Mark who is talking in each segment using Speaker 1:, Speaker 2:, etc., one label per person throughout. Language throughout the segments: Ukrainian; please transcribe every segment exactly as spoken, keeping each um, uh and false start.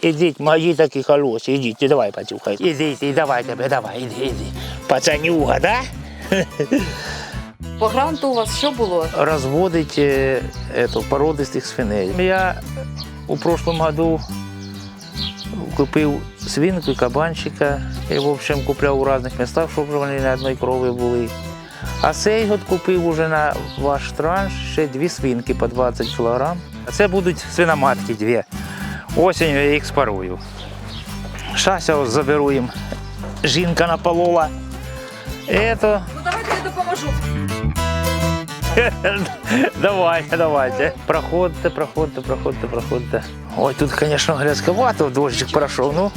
Speaker 1: Ідіть, мої такі хороші, ідіть, давай, пацюхай. Ідіть, і давай тебе, давай, іди, іди. Пацанюга, да?
Speaker 2: По гранту у вас що було?
Speaker 1: Розводить е, ето, породистих свиней. Я у прошлом году купив свинку і кабанчика. І, в общем, купляв у різних містах, щоб вони на одній крові були. А цей год купив уже на ваш транш ще дві свинки по двадцять кілограм. Це будуть свиноматки дві. Осінню я їх спарую. Зараз я ось заберу їм. Жінка наполола. Ето.
Speaker 2: Ну давайте я допоможу.
Speaker 1: Давайте, давайте. Проходьте, проходьте, проходьте, проходьте. Ой, тут, звісно, грязковато, дощик пройшов, ну.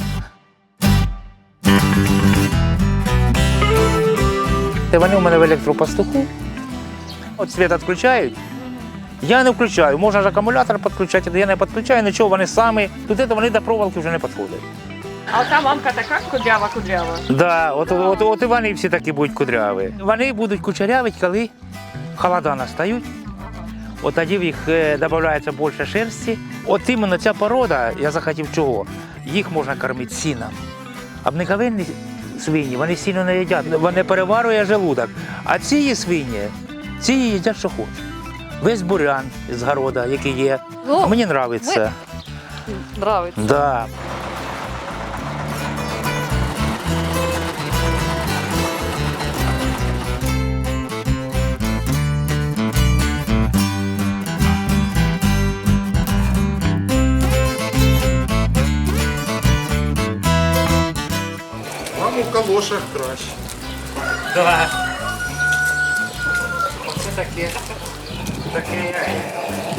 Speaker 1: Вони у мене в електропастуху. От світ відключають. Я не включаю. Можна ж акумулятор підключати, але я не підключаю, нічого, вони самі. Тут це вони до проволоки вже не підходять.
Speaker 2: А та мамка така кудрява-кудрява.
Speaker 1: Да, от, от, от і вони всі такі будуть кудряві. Вони будуть кучерявити, коли холода настають. От тоді в їх додається більше шерсті. От іменно ця порода, я захотів чого, їх можна кормити сіном. Обниковинні свині, вони сіно не їдять, вони переварює желудок. А ці свині, ці їдять, що хочуть. Весь бурян з города, який є.
Speaker 2: Ну,
Speaker 1: мені подобається.
Speaker 2: Нравиться.
Speaker 1: Да.
Speaker 3: Вам у калошах краще.
Speaker 1: Да. Оце таке. Таке.